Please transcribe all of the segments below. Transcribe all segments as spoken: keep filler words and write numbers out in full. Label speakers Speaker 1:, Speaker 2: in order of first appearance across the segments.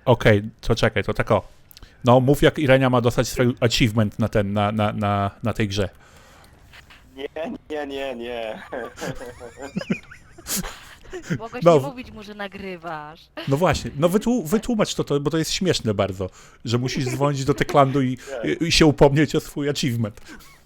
Speaker 1: Okej, okay, to czekaj, to tak o. No, mów jak Irenia ma dostać swój achievement na ten, na, na, na, na tej grze.
Speaker 2: Nie, nie, nie, nie.
Speaker 3: Mogłeś
Speaker 1: No.
Speaker 3: nie mówić mu, że nagrywasz.
Speaker 1: No właśnie, no wytłu, wytłumacz to, to, bo to jest śmieszne bardzo, że musisz dzwonić do Techlandu i, i, i się upomnieć o swój achievement.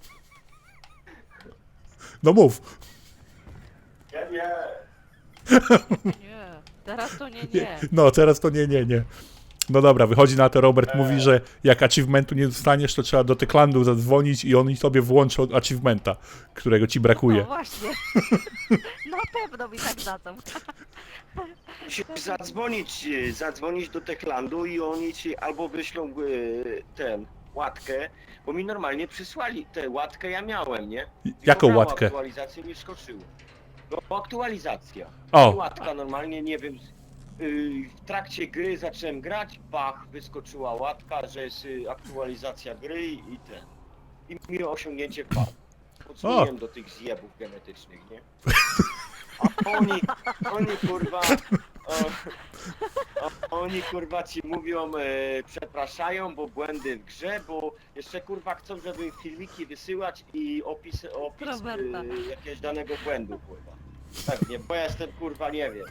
Speaker 1: No mów.
Speaker 2: Nie, nie.
Speaker 3: Nie, teraz to nie, nie.
Speaker 1: No, teraz to nie, nie, nie. No dobra, wychodzi na to, Robert mówi, że jak achievementu nie dostaniesz, to trzeba do Techlandu zadzwonić i oni sobie włączą achievementa, którego ci
Speaker 3: No
Speaker 1: brakuje.
Speaker 3: właśnie. Na pewno mi tak dadzą.
Speaker 2: Musisz zadzwonić, e, zadzwonić do Techlandu i oni ci albo wyślą e, ten, łatkę, bo mi normalnie przysłali tę łatkę, ja miałem, nie?
Speaker 1: Jaką
Speaker 2: Miało
Speaker 1: łatkę?
Speaker 2: Aktualizację mi skoczyło. No aktualizacja.
Speaker 1: O.
Speaker 2: I łatka normalnie, nie wiem, y, w trakcie gry zacząłem grać, bach, wyskoczyła łatka, że jest y, aktualizacja gry i ten. I mi osiągnięcie wpadło. Podsuniłem do tych zjebów genetycznych, nie? A oni, oni kurwa, o, o, oni kurwa ci mówią, e, przepraszają, bo błędy w grze, bo jeszcze kurwa chcą, żeby filmiki wysyłać i opis, opis
Speaker 3: Roberta.
Speaker 2: e, jakiegoś danego błędu, kurwa. Pewnie, bo ja jestem kurwa nie wiem.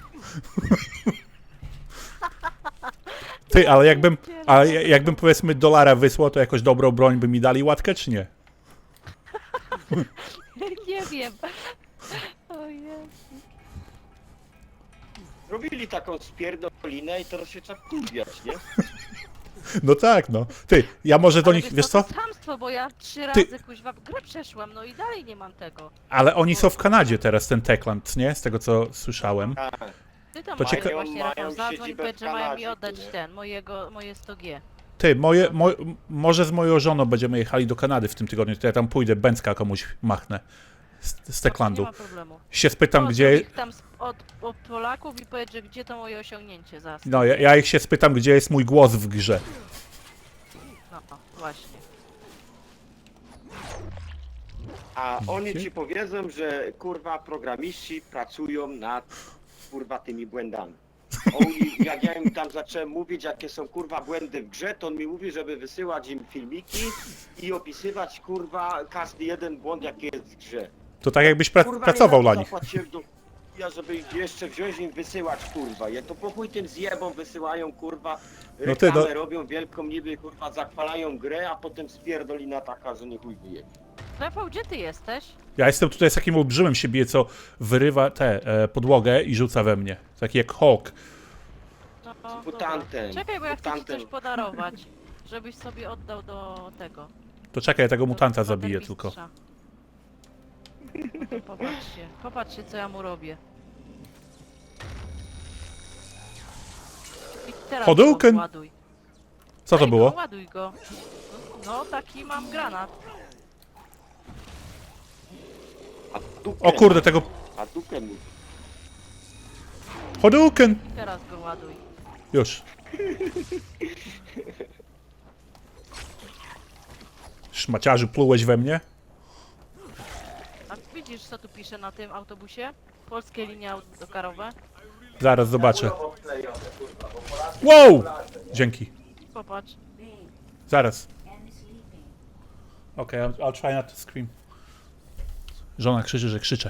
Speaker 1: Ty, ale jakbym, ale jakbym powiedzmy dolara wysłał, to jakoś dobrą broń by mi dali łatkę, czy nie?
Speaker 3: Nie wiem. O Jezu.
Speaker 2: Robili taką spierdolinę i teraz się trzeba kurwiać, nie?
Speaker 1: No tak, no. Ty, ja może do
Speaker 3: Ale
Speaker 1: nich, wiesz
Speaker 3: co?
Speaker 1: co?
Speaker 3: To chamstwo, bo ja trzy
Speaker 1: Ty-
Speaker 3: razy kuźwa grę przeszłam, no i dalej nie mam tego.
Speaker 1: Ale oni są w Kanadzie teraz, ten Techland, nie? Z tego co słyszałem.
Speaker 2: A,
Speaker 3: Ty tam
Speaker 1: To
Speaker 3: masz
Speaker 1: cieka-
Speaker 3: właśnie
Speaker 2: Mają
Speaker 3: Rafał, zadzwoń,
Speaker 2: siedzibę
Speaker 3: powiedz,
Speaker 2: w
Speaker 3: że mają mi
Speaker 2: Kanadzie,
Speaker 3: oddać
Speaker 2: nie?
Speaker 3: ten, mojego, moje sto G.
Speaker 1: Ty, moje, mo, może z moją żoną będziemy jechali do Kanady w tym tygodniu, to ja tam pójdę, Bęcka komuś machnę z, z Techlandu.
Speaker 3: Nie ma problemu.
Speaker 1: Się spytam,
Speaker 3: Pozdrów
Speaker 1: gdzie...
Speaker 3: ich tam z- od, od Polaków i powiedz, że gdzie to moje osiągnięcie za.
Speaker 1: No, ja, ja ich się spytam, gdzie jest mój głos w grze.
Speaker 3: No, właśnie.
Speaker 2: a oni ci powiedzą, że kurwa programiści pracują nad kurwa tymi błędami. Oni, jak ja im tam zacząłem mówić, jakie są kurwa błędy w grze, to on mi mówi, żeby wysyłać im filmiki i opisywać kurwa każdy jeden błąd, jaki jest w grze.
Speaker 1: To tak jakbyś pra
Speaker 2: Kurwa,
Speaker 1: pracował
Speaker 2: nie
Speaker 1: dla
Speaker 2: za to
Speaker 1: nich.
Speaker 2: zapłaciłem do ja, żeby ich jeszcze wziąć im wysyłać kurwa. Ja to po chuj tym zjebom wysyłają kurwa,
Speaker 1: No ty,
Speaker 2: reklamę
Speaker 1: no-
Speaker 2: robią wielką niby kurwa, zachwalają grę, a potem spierdolina taka, że nie chuj wyje.
Speaker 3: Rafał, gdzie ty jesteś?
Speaker 1: Ja jestem tutaj z takim olbrzymem siebie, co wyrywa tę e, podłogę i rzuca we mnie. Taki jak Hawk.
Speaker 3: No, dobra.
Speaker 2: mutantem,
Speaker 3: Czekaj, bo ja chcę ci
Speaker 2: mutantem.
Speaker 3: coś podarować, żebyś sobie oddał do tego.
Speaker 1: To czekaj, ja tego
Speaker 3: do
Speaker 1: mutanta zabiję
Speaker 3: watermistrza.
Speaker 1: tylko.
Speaker 3: No to popatrzcie, popatrzcie co ja mu robię. I teraz
Speaker 1: Hadouken!
Speaker 3: go ładuj.
Speaker 1: Co to
Speaker 3: Daj
Speaker 1: było?
Speaker 3: Go, ładuj go. No taki mam granat.
Speaker 2: A dupę,
Speaker 1: O kurde, tego...
Speaker 2: a dupę mu.
Speaker 1: Hadouken!
Speaker 3: I teraz go ładuj.
Speaker 1: Już. Szmaciarzu, plułeś we mnie?
Speaker 3: A widzisz co tu pisze na tym autobusie? Polskie linie autokarowe.
Speaker 1: Zaraz zobaczę. Wow! Dzięki.
Speaker 3: Popatrz.
Speaker 1: Zaraz. Okej, okay, I'll, I'll try not to scream. Żona krzyczy, że krzyczę.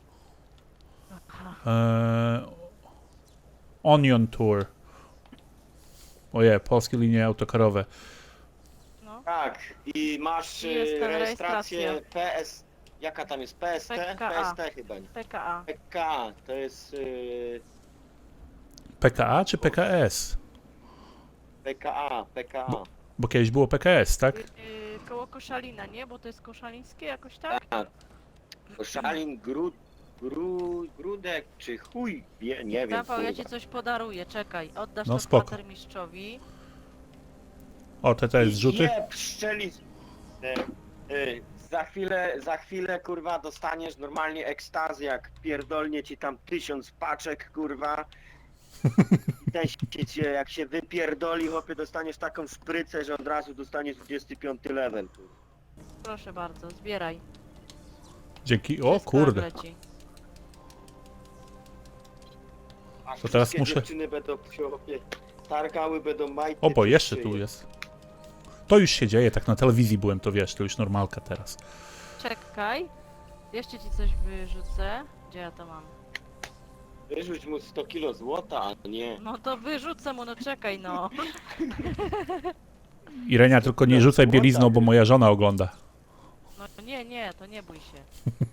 Speaker 1: Eee, Onion Tour. Oje, polskie linie autokarowe.
Speaker 3: No.
Speaker 2: Tak, i masz
Speaker 3: I jest
Speaker 2: y,
Speaker 3: ta
Speaker 2: rejestrację
Speaker 3: rejestracja.
Speaker 2: P S... Jaka tam jest? P S T?
Speaker 3: P K A.
Speaker 2: P S T chyba nie.
Speaker 3: P K A.
Speaker 2: P K A, to jest y,
Speaker 1: P K A czy P K S?
Speaker 2: P K A, P K A.
Speaker 1: Bo kiedyś było P K S, tak?
Speaker 3: Yy, koło Koszalina, nie? Bo to jest koszalińskie jakoś tak?
Speaker 2: Tak. Koszalin, Grud, Gru, Grudek czy chuj, wie, nie wiem.
Speaker 3: Rafał, ja
Speaker 2: kurwa.
Speaker 3: ci coś podaruję, czekaj. Oddasz
Speaker 1: No
Speaker 3: to
Speaker 1: spoko.
Speaker 3: kwatermistrzowi.
Speaker 1: O, te te zrzuty?
Speaker 2: Je, pszczeli... E, e, za chwilę, za chwilę, kurwa, dostaniesz normalnie ekstazję, jak pierdolnie ci tam tysiąc paczek, kurwa. I ten się cię, jak się wypierdoli, chłopie, dostaniesz taką szprycę, że od razu dostaniesz dwudziesty piąty level, kurwa.
Speaker 3: Proszę bardzo, zbieraj.
Speaker 1: Dzięki. O
Speaker 3: Wszystko
Speaker 1: kurde.
Speaker 3: leci.
Speaker 2: Aż
Speaker 1: To teraz
Speaker 2: wszystkie
Speaker 1: muszę-
Speaker 2: dziewczyny będą się, chłopie, Targały będą majty.
Speaker 1: O, bo
Speaker 2: czy
Speaker 1: jeszcze
Speaker 2: szyje.
Speaker 1: tu jest. To już się dzieje, tak na telewizji byłem, to wiesz, to już normalka teraz.
Speaker 3: Czekaj. Jeszcze ci coś wyrzucę. Gdzie ja to mam?
Speaker 2: Wyrzuć mu sto kilo złota, a nie.
Speaker 3: No to wyrzucę mu, no czekaj no.
Speaker 1: Irenia, tylko nie rzucaj bielizną, bo moja żona ogląda.
Speaker 3: No nie, nie, to nie bój się.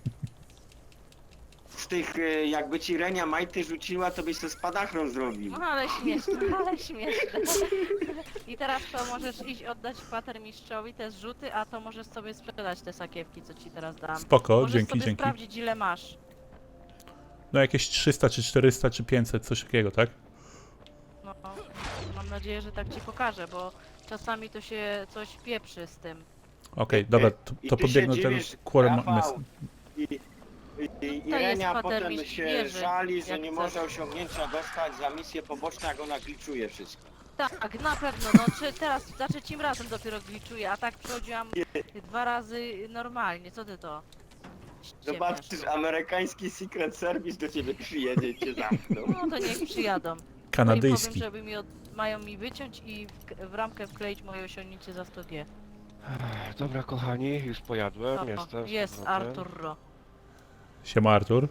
Speaker 2: Z tych, y, jakby ci Renia majty rzuciła, to byś to spadachron zrobił.
Speaker 3: No ale śmieszne, ale śmieszne. I teraz to możesz iść oddać kwatermistrzowi te zrzuty, a to możesz sobie sprzedać te sakiewki, co ci teraz dam.
Speaker 1: Spoko,
Speaker 3: Możesz
Speaker 1: dzięki,
Speaker 3: sobie
Speaker 1: dzięki.
Speaker 3: sprawdzić ile masz.
Speaker 1: No jakieś trzysta, czy czterysta, czy pięćset, coś takiego, tak?
Speaker 3: No, mam nadzieję, że tak ci pokażę, bo czasami to się coś pieprzy z tym.
Speaker 1: Okej, dobra, to,
Speaker 2: I
Speaker 1: to
Speaker 2: ty się
Speaker 1: podbiegnę do tego
Speaker 2: dziwisz,
Speaker 1: Quarter
Speaker 2: Rafał,
Speaker 1: Mess.
Speaker 2: I, i, i
Speaker 3: To jest
Speaker 2: Irenia potem
Speaker 3: kwatermistrz
Speaker 2: się
Speaker 3: wieży,
Speaker 2: żali, że
Speaker 3: jak
Speaker 2: nie
Speaker 3: chcesz.
Speaker 2: może osiągnięcia dostać za misję poboczną, jak ona gliczuje wszystko.
Speaker 3: Tak, na pewno, no czy teraz za trzecim razem dopiero gliczuję, a tak przychodziłam dwa razy normalnie, co ty to? ściemniasz
Speaker 2: Zobaczysz,
Speaker 3: tu?
Speaker 2: amerykański Secret Service do ciebie przyjedzie i cię zamkną.
Speaker 3: No to niech przyjadą. No i powiem,
Speaker 1: Kanadyjski.
Speaker 3: żeby mi od... mają mi wyciąć i w, w ramkę wkleić moje osiągnięcie za sto G.
Speaker 4: Ech, Dobra kochani, już pojadłem,
Speaker 3: O,
Speaker 4: jestem. z
Speaker 3: jest
Speaker 4: powrotem.
Speaker 3: Arturo.
Speaker 1: Siema, Artur.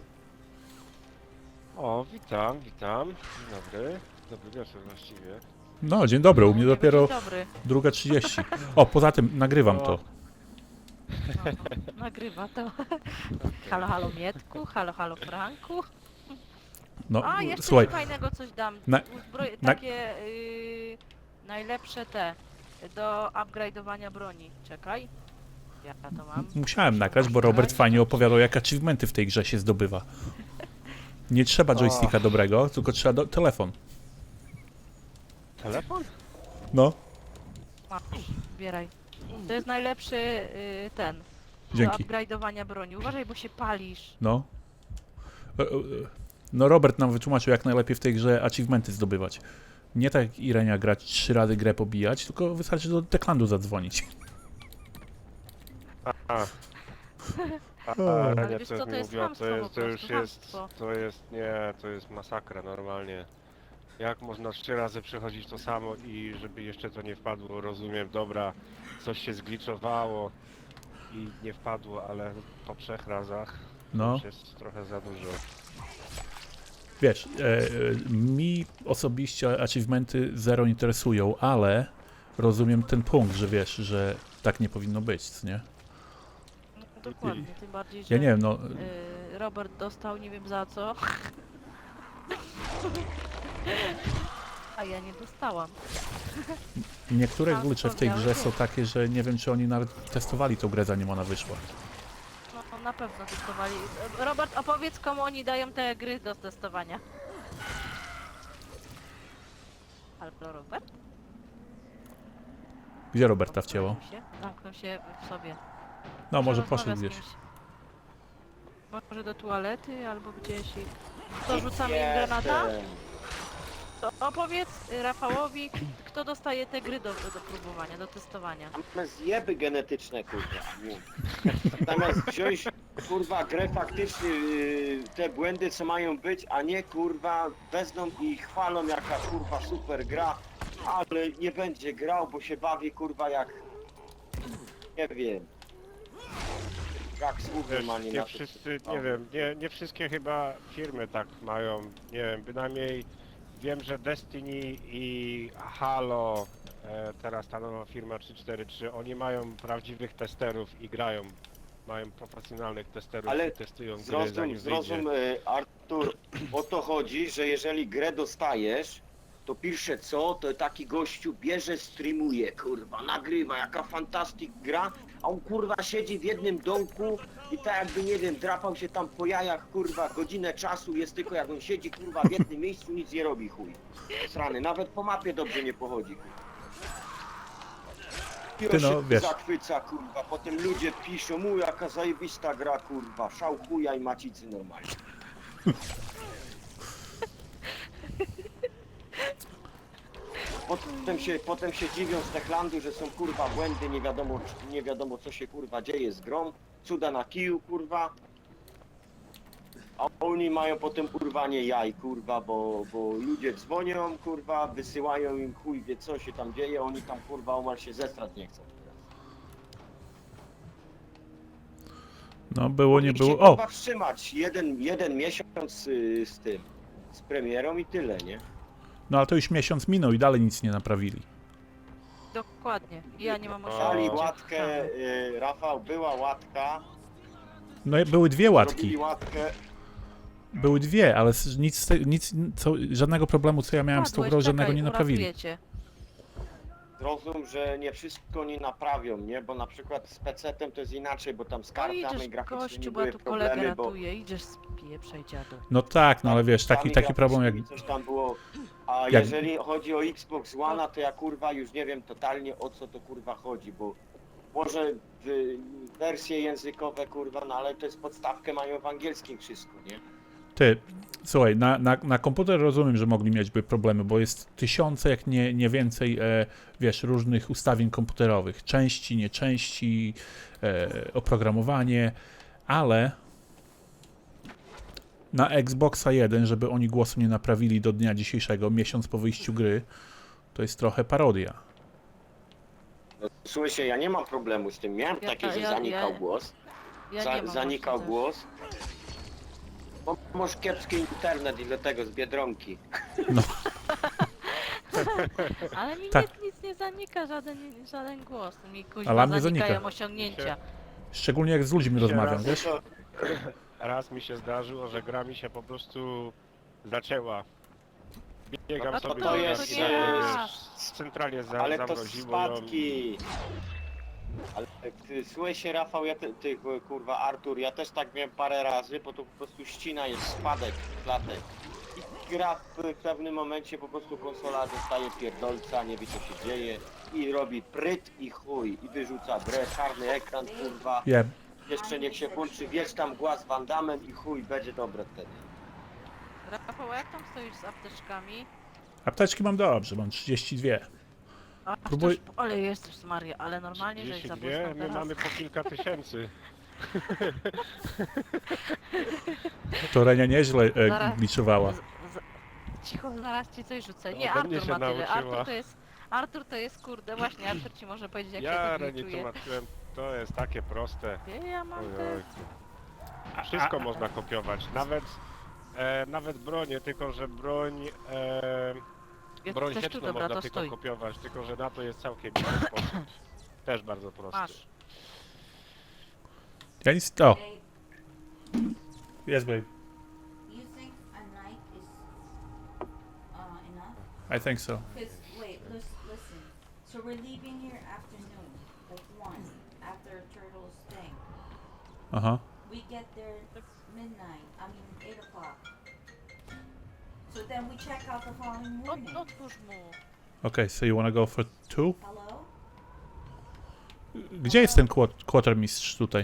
Speaker 4: O, witam, witam. Dzień dobry. Dobry wieczór właściwie.
Speaker 1: No, dzień dobry, u mnie
Speaker 3: Mówię,
Speaker 1: dopiero
Speaker 3: dzień dobry.
Speaker 1: druga trzydzieści. O, poza tym nagrywam to.
Speaker 3: No, nagrywa to. Halo, halo Mietku, halo, halo Franku.
Speaker 1: No,
Speaker 3: A, jeszcze
Speaker 1: słuchaj,
Speaker 3: ci fajnego coś dam.
Speaker 1: na-
Speaker 3: Uzbroj...
Speaker 1: na-
Speaker 3: Takie yy, najlepsze te do upgrade'owania broni. Czekaj. Ja to mam.
Speaker 1: musiałem nagrać, bo Robert fajnie opowiadał, jak achievementy w tej grze się zdobywa. Nie trzeba joysticka dobrego, tylko trzeba do telefon.
Speaker 4: Telefon?
Speaker 1: No,
Speaker 3: Masz, zbieraj. To jest najlepszy yy, ten.
Speaker 1: Dzięki.
Speaker 3: Do upgrade'owania broni. Uważaj, bo się palisz.
Speaker 1: no. E, e, No, Robert nam wytłumaczył, jak najlepiej w tej grze achievementy zdobywać. Nie tak jak Irenia grać trzy razy grę pobijać, tylko wystarczy do Techlandu zadzwonić.
Speaker 4: A, a. A,
Speaker 1: Ale
Speaker 4: a,
Speaker 3: wiesz
Speaker 4: nie,
Speaker 3: co,
Speaker 4: co
Speaker 3: to
Speaker 4: mi
Speaker 3: jest
Speaker 4: mówiła,
Speaker 3: chamstwo
Speaker 4: to,
Speaker 3: po
Speaker 4: jest, to już
Speaker 3: prostu,
Speaker 4: jest,
Speaker 3: chamstwo.
Speaker 4: to jest, nie, to jest masakra normalnie. Jak można trzy razy przechodzić to samo i żeby jeszcze to nie wpadło, rozumiem, dobra, coś się zgliczowało i nie wpadło, ale po trzech razach to
Speaker 1: No.
Speaker 4: już jest trochę za dużo.
Speaker 1: Wiesz, e, e, mi osobiście achievementy zero interesują, ale rozumiem ten punkt, że wiesz, że tak nie powinno być, co nie?
Speaker 3: No, dokładnie, tym bardziej, że
Speaker 1: Ja nie wiem, no,
Speaker 3: yy, Robert dostał nie wiem za co. A ja nie dostałam.
Speaker 1: niektóre
Speaker 3: a
Speaker 1: glicze w
Speaker 3: co
Speaker 1: tej
Speaker 3: miały
Speaker 1: grze
Speaker 3: być?
Speaker 1: są takie, że nie wiem, czy oni nawet testowali tą grę, zanim ona wyszła.
Speaker 3: No, no na pewno testowali. Robert, opowiedz komu oni dają te gry do testowania. Halo Robert?
Speaker 1: Gdzie Roberta wcięło?
Speaker 3: Zamknął się? Zamknął się w sobie.
Speaker 1: No, może
Speaker 3: rozmawia
Speaker 1: poszedł
Speaker 3: z
Speaker 1: gdzieś.
Speaker 3: kimś. Może do toalety albo gdzieś i... To rzucamy im granata?
Speaker 2: Jestem.
Speaker 3: To opowiedz y, Rafałowi, kto dostaje te gry do, do próbowania, do testowania.
Speaker 2: Mamy zjeby genetyczne, kurwa. Zamiast wziąć, kurwa, grę faktycznie, yy, te błędy, co mają być, a nie, kurwa, wezmą i chwalą, jaka, kurwa, super gra, ale nie będzie grał, bo się bawi, kurwa, jak, nie wiem, jak słów
Speaker 4: Wiesz,
Speaker 2: normalnie
Speaker 4: nie
Speaker 2: na to,
Speaker 4: wszyscy,
Speaker 2: co-
Speaker 4: nie wiem, nie, nie wszystkie chyba firmy tak mają, nie wiem, bynajmniej wiem, że Destiny i Halo, e, teraz ta nowa firma trzy cztery trzy, oni mają prawdziwych testerów i grają, mają profesjonalnych testerów
Speaker 2: Ale
Speaker 4: i testują gry
Speaker 2: Zrozum,
Speaker 4: zanim
Speaker 2: zrozum,
Speaker 4: wyjdzie.
Speaker 2: y, Artur, o to chodzi, że jeżeli grę dostajesz, to pierwsze co, to taki gościu bierze, streamuje, kurwa, nagrywa, jaka fantastic gra, a on kurwa siedzi w jednym domku i tak jakby, nie wiem, drapał się tam po jajach, kurwa, godzinę czasu jest tylko jak on siedzi, kurwa, w jednym miejscu, nic nie robi, chuj. Srany, nawet po mapie dobrze nie pochodzi, kurwa. I
Speaker 1: Ty
Speaker 2: on
Speaker 1: no,
Speaker 2: się
Speaker 1: wiesz.
Speaker 2: zachwyca, kurwa, potem ludzie piszą, mu jaka zajebista gra, kurwa, szał chuja i macicy normalnie. Potem się, potem się dziwią z Techlandu, że są kurwa błędy, nie wiadomo, nie wiadomo co się kurwa dzieje z grą. Cuda na kiju, kurwa. A oni mają potem urwanie jaj, kurwa, bo, bo ludzie dzwonią, kurwa, wysyłają im chuj wie co się tam dzieje, oni tam kurwa omal się zestrać nie chcą.
Speaker 1: No było, nie
Speaker 2: Niech się,
Speaker 1: było. O!
Speaker 2: kurwa, wstrzymać jeden, jeden miesiąc y, z tym, z premierą i tyle, nie?
Speaker 1: No ale to już miesiąc minął i dalej nic nie naprawili.
Speaker 3: Dokładnie. Ja nie mam
Speaker 4: O.
Speaker 2: Dali
Speaker 3: osiągnięcia.
Speaker 2: łatkę, y, Rafał, była łatka,
Speaker 1: No i były dwie łatki.
Speaker 2: zrobili łatkę,
Speaker 1: Były dwie, ale s- nic, z te- nic co, żadnego problemu, co ja miałem z tą
Speaker 3: Padłeś,
Speaker 1: grą, żadnego
Speaker 3: czekaj,
Speaker 1: nie naprawili.
Speaker 3: uratuję cię.
Speaker 2: zrozum, że nie wszystko nie naprawią, nie? Bo na przykład z pecetem to jest inaczej, bo tam z
Speaker 3: No
Speaker 2: kartami
Speaker 3: idziesz
Speaker 2: graficznymi
Speaker 3: gościu, bo ja
Speaker 2: były
Speaker 3: tu kolegę
Speaker 2: problemy, bo
Speaker 3: ratuję, idziesz spieprzaj dziadu.
Speaker 1: No tak, no ale wiesz, taki,
Speaker 2: kartami
Speaker 1: taki problem jak...
Speaker 2: graficznymi coś tam było. A
Speaker 1: jak-
Speaker 2: jeżeli chodzi o Xbox One, to ja kurwa już nie wiem totalnie o co to kurwa chodzi, bo może w, wersje językowe kurwa, no ale to jest podstawkę mają w angielskim wszystko, nie?
Speaker 1: Ty, słuchaj, na, na, na komputer rozumiem, że mogli mieć by problemy, bo jest tysiące, jak nie, nie więcej, e, wiesz, różnych ustawień komputerowych. Części, nieczęści, e, oprogramowanie, ale na Xboxa jeden, żeby oni głosu nie naprawili do dnia dzisiejszego, miesiąc po wyjściu gry, to jest trochę parodia.
Speaker 2: No, słuchajcie, ja nie mam problemu z tym, miałem
Speaker 3: Ja-
Speaker 2: takie, że
Speaker 3: ja-
Speaker 2: zanikał
Speaker 3: ja-
Speaker 2: głos,
Speaker 3: Ja
Speaker 2: za,
Speaker 3: nie mam
Speaker 2: zanikał
Speaker 3: właśnie
Speaker 2: głos. Bo masz kiepski internet i dlatego z Biedronki.
Speaker 3: też. Ale mi
Speaker 1: Tak.
Speaker 3: nic, nic nie zanika, żaden, żaden głos. Mi
Speaker 1: A
Speaker 3: kuźwa
Speaker 1: dla mnie
Speaker 3: zanikają
Speaker 1: zanika.
Speaker 3: osiągnięcia.
Speaker 1: Szczególnie jak z ludźmi
Speaker 4: Się
Speaker 1: rozmawiam,
Speaker 4: raz-
Speaker 1: wiesz?
Speaker 4: Raz mi się zdarzyło, że gra mi się po prostu zacięła. Biegam
Speaker 2: No to
Speaker 4: sobie
Speaker 2: to
Speaker 4: do
Speaker 2: jest,
Speaker 4: gra-
Speaker 3: e,
Speaker 4: z- centralnie za,
Speaker 2: Ale to
Speaker 4: zamroziło ją.
Speaker 2: spadki. Ale ty, słuchaj się Rafał, ja te, ty kurwa Artur, ja też tak miałem parę razy, bo to po prostu ścina jest spadek, klatek. I gra w, w pewnym momencie po prostu konsola dostaje pierdolca, nie wie co się dzieje i robi pryt i chuj i wyrzuca grę, czarny ekran kurwa.
Speaker 1: Je,
Speaker 2: Jeszcze niech się włączy wiesz tam głaz Van Damme i chuj, będzie dobre wtedy.
Speaker 3: Rafał, jak tam stoisz z apteczkami?
Speaker 1: apteczki mam dobrze, mam trzydzieści dwa.
Speaker 3: A,
Speaker 1: Próbuj-
Speaker 3: Próbuj... Ale jesteś Maria, ale normalnie, że
Speaker 4: trzydzieści
Speaker 3: za
Speaker 4: dwie,
Speaker 3: Polską
Speaker 4: my
Speaker 3: teraz.
Speaker 4: mamy po kilka tysięcy.
Speaker 1: To Renia nieźle e,
Speaker 3: Zaraz-
Speaker 1: gliczowała.
Speaker 3: Z, z... Cicho, zaraz ci coś rzucę.
Speaker 4: No,
Speaker 3: Nie,
Speaker 4: ode mnie
Speaker 3: Artur
Speaker 4: się
Speaker 3: ma tyle.
Speaker 4: nauczyła.
Speaker 3: Artur to jest... Artur to jest kurde, właśnie Artur ci może powiedzieć jak
Speaker 4: Ja
Speaker 3: się to
Speaker 4: Reni
Speaker 3: gliczuje.
Speaker 4: tłumaczyłem, to jest takie proste.
Speaker 3: Wie, ja mam
Speaker 4: Oj,
Speaker 3: te...
Speaker 4: oj. Wszystko można kopiować, nawet e, nawet bronię, tylko że broń e,
Speaker 3: Jak
Speaker 4: broń
Speaker 3: chcesz tu,
Speaker 4: sieczną
Speaker 3: dobra,
Speaker 4: można
Speaker 3: to
Speaker 4: tylko
Speaker 3: stój.
Speaker 4: kopiować, tylko że na to jest całkiem inny sposób. Też bardzo prosty.
Speaker 3: Masz.
Speaker 1: Ja nic... O,
Speaker 5: Hey,
Speaker 1: jest babe.
Speaker 5: you think a night is uh, enough?
Speaker 1: I think so.
Speaker 5: Because wait, lis- listen. So we're leaving here afternoon, like one, after Turtle's thing.
Speaker 1: Aha.
Speaker 5: We get there midnight. I mean eight o'clock. So then we check out the following morning.
Speaker 3: Ot, otwórz mu.
Speaker 1: Okay, so you wanna go for two?
Speaker 5: Hello?
Speaker 1: Gdzie jest ten quat- quartermistrz tutaj?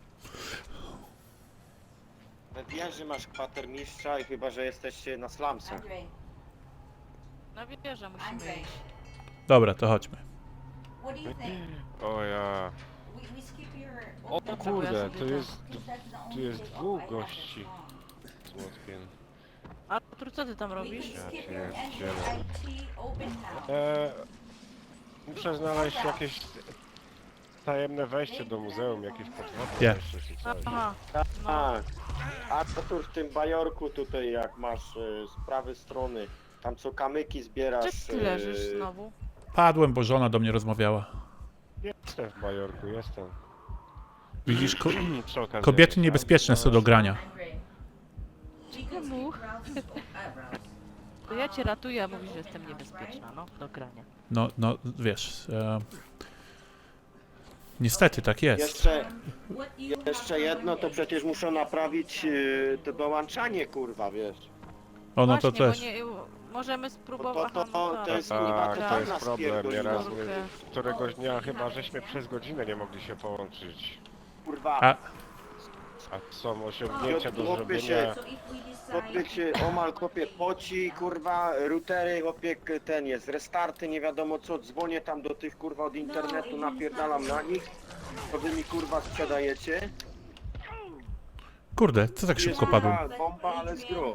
Speaker 2: Na wieży masz kwatermistrza i chyba, że jesteście na slumsach.
Speaker 5: Andre,
Speaker 3: Na wieżę musimy
Speaker 5: Andrzej.
Speaker 3: iść.
Speaker 1: Dobra, to chodźmy.
Speaker 5: what do you think?
Speaker 4: O ja.
Speaker 5: We, we skip your...
Speaker 4: O
Speaker 3: Dobra,
Speaker 4: kurde,
Speaker 3: bo ja
Speaker 4: to
Speaker 3: sobie
Speaker 4: jest
Speaker 5: Because that's the
Speaker 4: tu
Speaker 5: only
Speaker 4: jest
Speaker 5: day
Speaker 4: dwóch
Speaker 5: off I have
Speaker 4: gości.
Speaker 5: this long.
Speaker 4: z młotkiem.
Speaker 3: Artur, co ty tam
Speaker 5: We,
Speaker 3: robisz?
Speaker 5: we
Speaker 4: Ja
Speaker 5: skip
Speaker 4: cię
Speaker 5: your N
Speaker 4: pierdzielę.
Speaker 5: J I T open house.
Speaker 4: E, muszę znaleźć jakieś tajemne wejście do muzeum, jakieś podwodne
Speaker 1: Nie.
Speaker 4: wejście czy coś.
Speaker 3: Aha, no.
Speaker 2: Tak. A Artur, w tym bajorku tutaj, jak masz e, z prawej strony, tam co kamyki zbierasz.
Speaker 3: Czy ty leżysz
Speaker 2: e,
Speaker 3: znowu?
Speaker 1: Padłem, bo żona do mnie rozmawiała.
Speaker 4: Jestem w Bajorku, jestem.
Speaker 1: Widzisz, ko
Speaker 4: Przy okazji
Speaker 1: kobiety
Speaker 4: jakieś
Speaker 1: niebezpieczne
Speaker 4: auto
Speaker 1: są do grania.
Speaker 5: Andre, we could
Speaker 3: Czemu?
Speaker 5: skip routes, uh, routes.
Speaker 3: To ja cię ratuję, a mówisz, że jestem niebezpieczna, no, do grania.
Speaker 1: No, no, wiesz... E... Niestety, tak jest.
Speaker 2: Jeszcze,
Speaker 5: What do you have
Speaker 2: jeszcze
Speaker 5: for
Speaker 2: jedno, to
Speaker 5: Monday?
Speaker 2: przecież muszą naprawić e, to dołączanie, kurwa, wiesz.
Speaker 1: O, no to
Speaker 3: Właśnie,
Speaker 1: też.
Speaker 3: bo nie, możemy
Speaker 2: To,
Speaker 3: spróbować...
Speaker 2: to, to, to jest
Speaker 4: Tak,
Speaker 2: kurwa
Speaker 4: to
Speaker 2: totalna
Speaker 4: jest problem. Nieraz
Speaker 2: spierdolina.
Speaker 4: my, któregoś dnia chyba żeśmy przez godzinę nie mogli się połączyć.
Speaker 2: Kurwa,
Speaker 1: A,
Speaker 4: A są osiągnięcia do
Speaker 2: Chłopie się-
Speaker 4: zrobienia.
Speaker 5: So if we
Speaker 2: chłopiek
Speaker 5: decide...
Speaker 2: się omal kopie poci, kurwa, routery, chłopiek ten jest, restarty, nie wiadomo co, dzwonię tam do tych kurwa od internetu, napierdalam na nich, to wy mi kurwa sprzedajecie.
Speaker 1: Kurde, co tak szybko
Speaker 2: Jest
Speaker 1: padłem?
Speaker 2: bomba, bomba, ale z gru.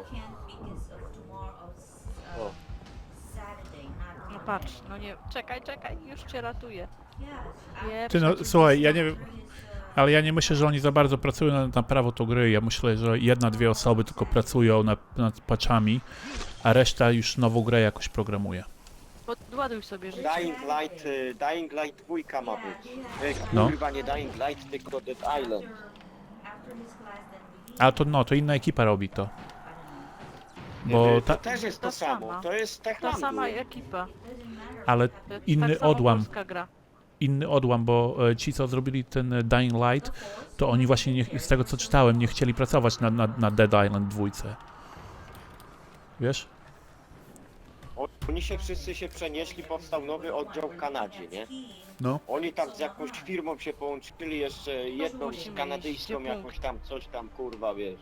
Speaker 2: O.
Speaker 3: No patrz, no nie, czekaj, czekaj, już cię ratuję. Nie,
Speaker 1: Ty no,
Speaker 3: przeciw-
Speaker 1: słuchaj, ja nie wiem, ale ja nie myślę, że oni za bardzo pracują na, na prawo tą gry. Ja myślę, że jedna, dwie osoby tylko pracują nad, nad patchami, a reszta już nową grę jakoś programuje.
Speaker 3: Podładuj sobie życie.
Speaker 2: Dying Light, y, Dying Light dwójka ma być. Y,
Speaker 1: No.
Speaker 2: Kurwa, nie Dying Light, tylko Dead Island.
Speaker 1: A to no, to inna ekipa robi to.
Speaker 2: Y,
Speaker 1: Bo
Speaker 2: to
Speaker 1: ta,
Speaker 2: też jest to
Speaker 3: Ta
Speaker 2: samo,
Speaker 3: sama.
Speaker 2: to jest
Speaker 3: Ta
Speaker 2: Techlandu.
Speaker 3: sama ekipa.
Speaker 1: ale
Speaker 3: To jest
Speaker 1: inny
Speaker 3: tak samo
Speaker 1: odłam,
Speaker 3: polska gra.
Speaker 1: inny odłam, bo e, ci, co zrobili ten e, Dying Light, to oni właśnie, nie, z tego co czytałem, nie chcieli pracować na, na, na Dead Island dwójce. Wiesz?
Speaker 2: Oni się wszyscy się przenieśli, powstał nowy oddział w Kanadzie, nie?
Speaker 1: No.
Speaker 2: Oni tam z jakąś firmą się połączyli, jeszcze jedną
Speaker 3: musimy iść,
Speaker 2: kanadyjską,
Speaker 3: gdzie
Speaker 2: jakąś tam, coś tam, kurwa, wiesz.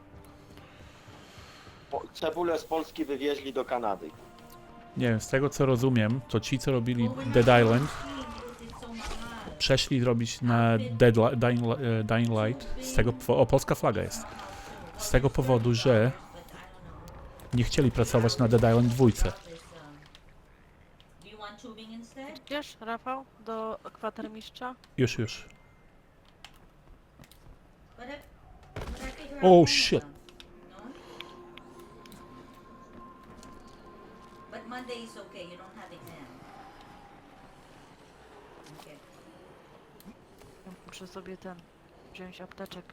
Speaker 2: Po, cebulę z Polski wywieźli do Kanady.
Speaker 1: Nie wiem, z tego co rozumiem, to ci, co robili Dead Island, przeszli robić na Dead Li- Dying, Li- e, Dying Light, z tego, po- o, polska flaga jest, z tego powodu, że nie chcieli pracować na Dead Island dwójce.
Speaker 5: Do you want tubing instead?
Speaker 3: Idziesz, Rafał, do kwatermistrza?
Speaker 1: Już, już.
Speaker 5: But I, but I figure
Speaker 1: Oh,
Speaker 5: out
Speaker 1: shit.
Speaker 5: them, no? But Monday is okay, you don't have exam. Okay.
Speaker 3: Muszę sobie ten, wziąć apteczek.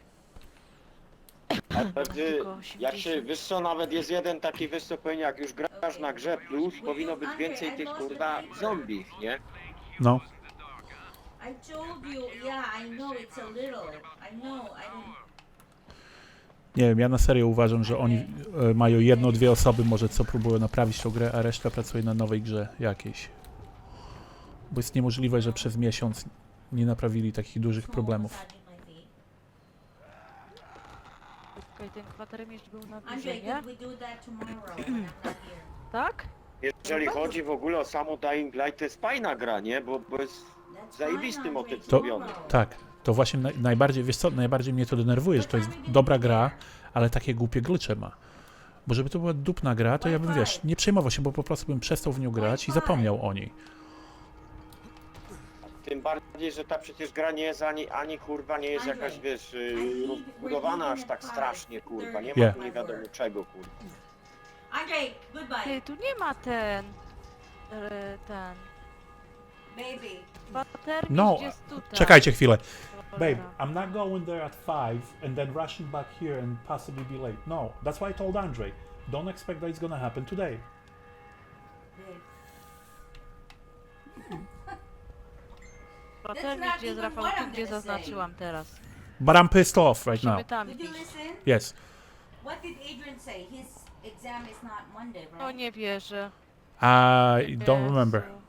Speaker 2: Ale ty,
Speaker 3: Tylko
Speaker 2: jak się,
Speaker 3: osiemdziesiąt.
Speaker 2: wiesz co, nawet jest jeden taki wystąpienie, jak już grasz na grze plus, powinno być więcej tych, kurwa, zombie, nie?
Speaker 1: No.
Speaker 5: I told you, yeah, I know it's a little. I know, I don't.
Speaker 1: Nie wiem, ja na serio uważam, że oni e, mają jedno, dwie osoby może, co próbują naprawić tą grę, a reszta pracuje na nowej grze jakiejś. Bo jest niemożliwe, że przez miesiąc nie naprawili takich dużych problemów.
Speaker 5: Massaging my feet.
Speaker 3: Okej, ten kwatermistrz był na górze,
Speaker 5: Andre,
Speaker 3: nie?
Speaker 5: could we do that tomorrow when I'm not here?
Speaker 3: Tak?
Speaker 2: Jeżeli chodzi w ogóle o samo Dying Light, to jest fajna gra, nie? Bo, bo jest
Speaker 5: That's
Speaker 2: zajebisty
Speaker 5: fine,
Speaker 2: motyw
Speaker 5: Andre,
Speaker 2: zrobiony.
Speaker 5: tomorrow.
Speaker 1: Tak, to właśnie naj, najbardziej, wiesz co, najbardziej mnie to denerwuje, że to jest dobra gra, ale takie głupie glitche ma. Bo żeby to była dupna gra, to ja bym, wiesz, nie przejmował się, bo po prostu bym przestał w nią grać i zapomniał o niej.
Speaker 2: Tym bardziej, że ta przecież gra nie jest ani, ani kurwa, nie jest jakaś, wiesz, y, rozbudowana aż tak strasznie, kurwa. Nie ma
Speaker 1: Yeah.
Speaker 2: tu nie wiadomo czego, kurwa.
Speaker 5: Andre, goodbye.
Speaker 3: Ty, tu nie ma ten... e, ten...
Speaker 5: Baby.
Speaker 3: Kwatermistrz
Speaker 1: No,
Speaker 3: jest tutaj.
Speaker 1: Czekajcie chwilę. Babe,
Speaker 3: Cholera.
Speaker 1: I'm not going there at five and then rushing back here and possibly be late. No, that's why I told Andre. Don't expect that it's gonna happen today.
Speaker 3: Kwatermistrz
Speaker 5: not
Speaker 3: jest,
Speaker 5: even
Speaker 3: Rafał,
Speaker 5: what
Speaker 3: tu
Speaker 5: I'm
Speaker 3: gdzie
Speaker 5: gonna say.
Speaker 3: zaznaczyłam teraz.
Speaker 1: But I'm pissed off right
Speaker 3: Musimy
Speaker 1: now.
Speaker 3: tam
Speaker 5: Did you
Speaker 3: iść.
Speaker 5: listen?
Speaker 1: Yes.
Speaker 5: What did Adrian say? His exam is not Monday, right?
Speaker 3: O, nie wierzę.
Speaker 1: I don't remember.
Speaker 3: Jezu.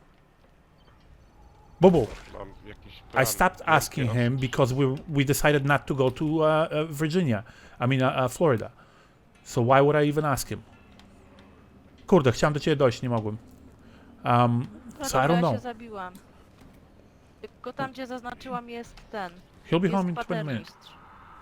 Speaker 1: Bobo,
Speaker 4: Mam jakiś
Speaker 1: I
Speaker 4: plan.
Speaker 1: stopped asking him because we we decided not to go to uh, uh, Virginia. I mean uh, uh, Florida. So why would I even ask him? Kurde, chciałem do ciebie dojść, nie mogłem. Um,
Speaker 3: No
Speaker 1: so I
Speaker 3: dobra,
Speaker 1: don't
Speaker 3: ja
Speaker 1: know.
Speaker 3: się zabiłam. Tylko tam, gdzie zaznaczyłam, jest ten.
Speaker 1: He'll be
Speaker 3: Jest
Speaker 1: home in twenty minutes.
Speaker 3: kwatermistrz.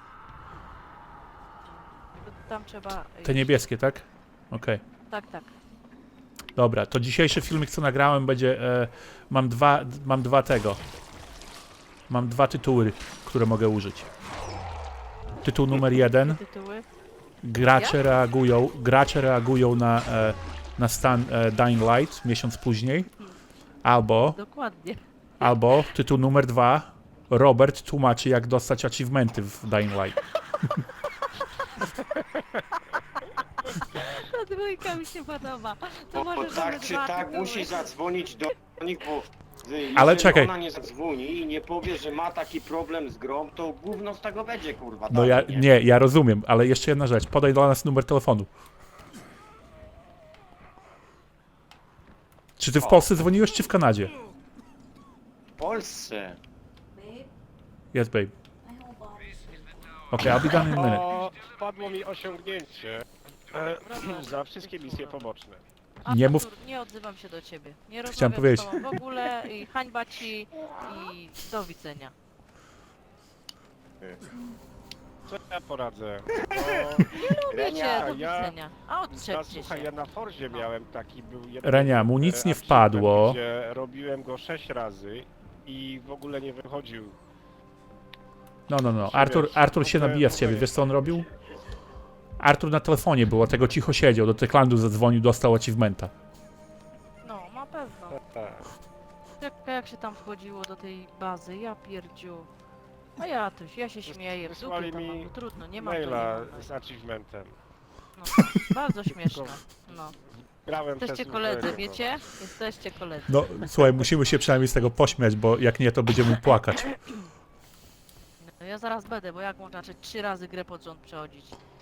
Speaker 3: Tam trzeba
Speaker 1: Te
Speaker 3: iść.
Speaker 1: niebieskie, tak? Okej.
Speaker 3: Tak, tak.
Speaker 1: Dobra, to dzisiejszy filmik, co nagrałem, będzie... E, mam dwa, mam dwa tego. Mam dwa tytuły, które mogę użyć. Tytuł numer jeden.
Speaker 3: Tytuły.
Speaker 1: Gracze reagują, gracze reagują na, e, na stan e, Dying Light miesiąc później. Albo,
Speaker 3: Dokładnie.
Speaker 1: albo tytuł numer dwa. Robert tłumaczy, jak dostać achievementy w Dying Light.
Speaker 3: Ta dwójka mi się podoba. To
Speaker 2: Bo, bo
Speaker 3: może
Speaker 2: tak
Speaker 3: mamy
Speaker 2: czy
Speaker 3: dwa
Speaker 2: tak
Speaker 3: tytuły.
Speaker 2: musi zadzwonić do nich, bo y, jeżeli
Speaker 1: Ale czekaj.
Speaker 2: ona nie zadzwoni i nie powie, że ma taki problem z grą, to gówno z tego będzie, kurwa.
Speaker 1: No
Speaker 2: dalej,
Speaker 1: ja, nie, ja rozumiem, ale jeszcze jedna rzecz. Podaj dla nas numer telefonu. Czy ty w Polsce dzwoniłeś, czy w Kanadzie?
Speaker 2: W Polsce.
Speaker 5: Babe,
Speaker 1: Yes, babe.
Speaker 5: my whole body is
Speaker 1: Okay, I'll be done in a minute.
Speaker 4: O, wpadło mi osiągnięcie e, za wszystkie misje poboczne.
Speaker 3: A,
Speaker 1: Nie mów-
Speaker 3: Artur, nie odzywam się do ciebie. Nie
Speaker 1: Chciałem
Speaker 3: rozmawiam
Speaker 1: powiedzieć.
Speaker 3: z tobą w ogóle i hańba ci i do widzenia.
Speaker 4: Co ja poradzę? No,
Speaker 3: Lubicie,
Speaker 2: Renia,
Speaker 3: do
Speaker 4: ja-
Speaker 3: widzenia. A
Speaker 4: no,
Speaker 3: odczepcie
Speaker 4: słuchaj,
Speaker 3: się.
Speaker 4: ja na Forzie miałem taki był jeden...
Speaker 1: Renia, mu nic
Speaker 4: e,
Speaker 1: nie
Speaker 4: achievement,
Speaker 1: wpadło.
Speaker 4: Gdzie robiłem go sześć razy i w ogóle nie wychodził.
Speaker 1: No, no, no. Artur, Artur się nabija z ciebie. Wiesz co on robił? Artur na telefonie było, tego cicho siedział, do Techlandu zadzwonił, dostał achievementa.
Speaker 3: No, na pewno.
Speaker 4: Tak.
Speaker 3: Czekaj, jak się tam wchodziło do tej bazy, ja pierdziu. A ja też, ja się śmieję, w dupie
Speaker 4: Wysłali
Speaker 3: to
Speaker 4: mi
Speaker 3: mam, no trudno, nie mam to, nie
Speaker 4: Maila
Speaker 3: mam.
Speaker 4: z achievementem.
Speaker 3: No, bardzo śmieszne, no.
Speaker 4: Grałem
Speaker 3: Jesteście
Speaker 4: przez
Speaker 3: koledzy,
Speaker 4: Uberego.
Speaker 3: wiecie? Jesteście koledzy.
Speaker 1: No, słuchaj, musimy się przynajmniej z tego pośmiać, bo jak nie, to będziemy płakać.
Speaker 3: No, ja zaraz będę, bo jak można czy trzy razy grę pod rząd przechodzić?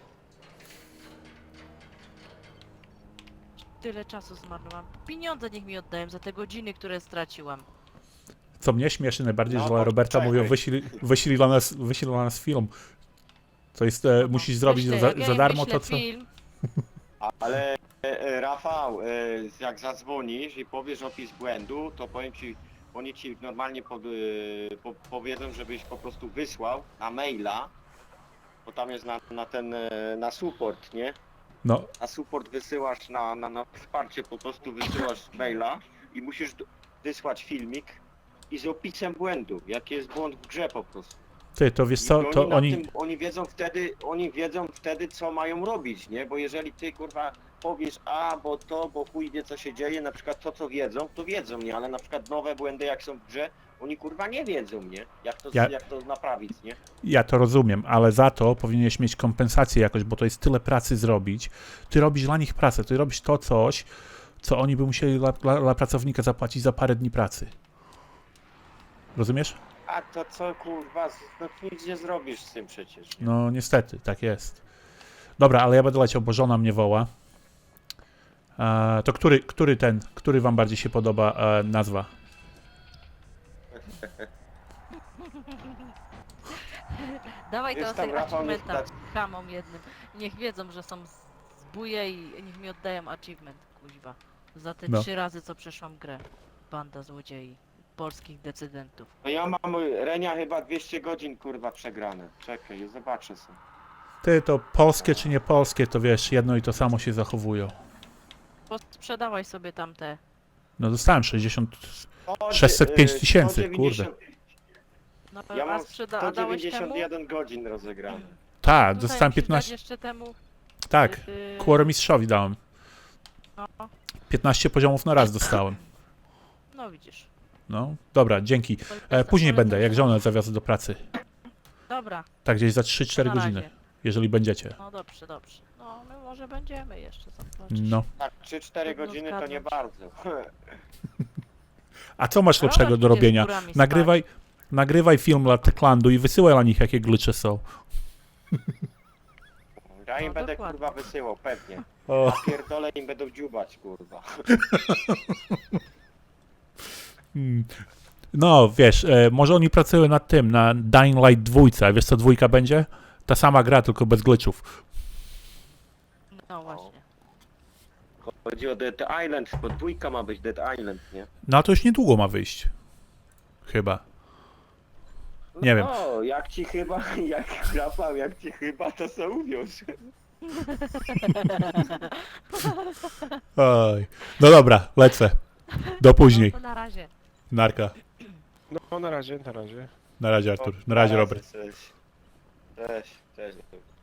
Speaker 3: Tyle czasu zmarnowałam. Pieniądze niech mi oddają za te godziny, które straciłam.
Speaker 1: Co mnie śmieszy najbardziej,
Speaker 2: No,
Speaker 1: że
Speaker 2: to
Speaker 1: Roberta
Speaker 2: czekaj.
Speaker 1: mówią, wyślij, wyślij, dla nas, wyślij dla nas film. To jest, e,
Speaker 3: No,
Speaker 1: musisz zrobić
Speaker 3: wyślę,
Speaker 1: za,
Speaker 3: jak ja
Speaker 1: za
Speaker 3: im
Speaker 1: darmo
Speaker 3: wyślę
Speaker 1: to, co...
Speaker 3: Film,
Speaker 2: Ale e, e, Rafał, e, jak zadzwonisz i powiesz opis błędu, to powiem ci, oni ci normalnie pod, e, po, powiedzą, żebyś po prostu wysłał na maila, bo tam jest na, na ten, e, na support, nie?
Speaker 1: No,
Speaker 2: Na support wysyłasz, na, na, na wsparcie po prostu wysyłasz maila i musisz d- wysłać filmik i z opisem błędu, jaki jest błąd w grze po prostu.
Speaker 1: ty, to wiesz
Speaker 2: I
Speaker 1: co,
Speaker 2: oni,
Speaker 1: to
Speaker 2: na
Speaker 1: oni...
Speaker 2: tym, oni wiedzą wtedy, oni wiedzą wtedy, co mają robić, nie? Bo jeżeli ty kurwa powiesz a, bo to, bo chuj wie co się dzieje, na przykład to co wiedzą, to wiedzą, nie? Ale na przykład nowe błędy jak są w grze, oni kurwa nie wiedzą, nie? Jak to,
Speaker 1: Ja-
Speaker 2: jak to naprawić, nie?
Speaker 1: Ja to rozumiem, ale za to powinieneś mieć kompensację jakoś, bo to jest tyle pracy zrobić. Ty robisz dla nich pracę, ty robisz to coś, co oni by musieli dla, dla, dla pracownika zapłacić za parę dni pracy. Rozumiesz?
Speaker 2: A to co kurwa, no nic nie zrobisz z tym przecież. Nie?
Speaker 1: No niestety, tak jest. Dobra, ale ja będę leciał, bo żona mnie woła. E, to który, który ten, który wam bardziej się podoba e, nazwa?
Speaker 3: dawaj to
Speaker 2: Wiesz,
Speaker 3: z
Speaker 2: tam,
Speaker 3: tej
Speaker 2: Rafał, niech
Speaker 3: achievementa
Speaker 2: tak-
Speaker 3: chamom jednym. Niech wiedzą, że są z- zbóje i niech mi oddają achievement, kuźwa. Za te
Speaker 1: No.
Speaker 3: trzy razy, co przeszłam grę. Banda złodziei. Polskich decydentów.
Speaker 2: No ja mam, Renia, chyba dwieście godzin kurwa przegrane. Czekaj, zobaczę sobie.
Speaker 1: Ty, to polskie czy nie polskie, to wiesz, jedno i to samo się zachowują.
Speaker 3: Bo sprzedawaj sobie tamte.
Speaker 1: No dostałem sześćdziesiąt...
Speaker 2: O,
Speaker 1: sześćset pięć
Speaker 2: y,
Speaker 1: tysięcy,
Speaker 2: sto dziewięćdziesiąt
Speaker 3: No,
Speaker 2: Ja
Speaker 3: a
Speaker 2: mam
Speaker 3: sprzeda a dałeś temu?
Speaker 2: sto dziewięćdziesiąt jeden godzin rozegrane.
Speaker 1: Tak,
Speaker 3: Tutaj
Speaker 1: dostałem
Speaker 3: musisz dać
Speaker 1: piętnaście...
Speaker 3: jeszcze temu.
Speaker 1: Tak,
Speaker 3: Yy,
Speaker 1: Kłoromistrzowi dałem.
Speaker 3: no,
Speaker 1: piętnaście poziomów na raz dostałem.
Speaker 3: no widzisz.
Speaker 1: No, dobra, dzięki. E, później będę, jak żonę zawiozę do pracy.
Speaker 3: Dobra,
Speaker 1: Tak gdzieś za trzy cztery
Speaker 3: na
Speaker 1: godziny,
Speaker 3: razie.
Speaker 1: jeżeli będziecie.
Speaker 3: No dobrze, dobrze. No my może będziemy jeszcze zobaczyć.
Speaker 1: No.
Speaker 2: Tak, trzy cztery
Speaker 3: Trudno
Speaker 2: godziny to nie
Speaker 3: zgadnąć.
Speaker 2: bardzo.
Speaker 1: A co masz
Speaker 3: No,
Speaker 1: lepszego
Speaker 3: chodź,
Speaker 1: do
Speaker 3: idziesz
Speaker 1: robienia?
Speaker 3: górami spać.
Speaker 1: Nagrywaj, nagrywaj film dla Techlandu i wysyłaj na nich, jakie glycze są.
Speaker 2: Ja im
Speaker 3: No,
Speaker 2: będę
Speaker 3: dokładnie.
Speaker 2: kurwa wysyłał, pewnie.
Speaker 1: O,
Speaker 2: Pierdolę im będą dziubać kurwa.
Speaker 1: mm. No, wiesz, e, może oni pracują nad tym, na Dying Light dwójce, a wiesz co dwójka będzie? Ta sama gra, tylko bez glitchów.
Speaker 3: No właśnie.
Speaker 2: Chodzi o Dead Island, bo dwójka ma być Dead Island, nie?
Speaker 1: No, a to już niedługo ma wyjść. Chyba. Nie wiem.
Speaker 2: No, jak ci chyba, jak Rafał, jak ci chyba, to co uwiąż.
Speaker 1: Oj. No dobra, lecę. Do później.
Speaker 3: No to na razie.
Speaker 1: Narka.
Speaker 4: No na razie, na razie.
Speaker 1: Na razie Artur. Na razie Robert.
Speaker 2: Cześć. Cześć, cześć.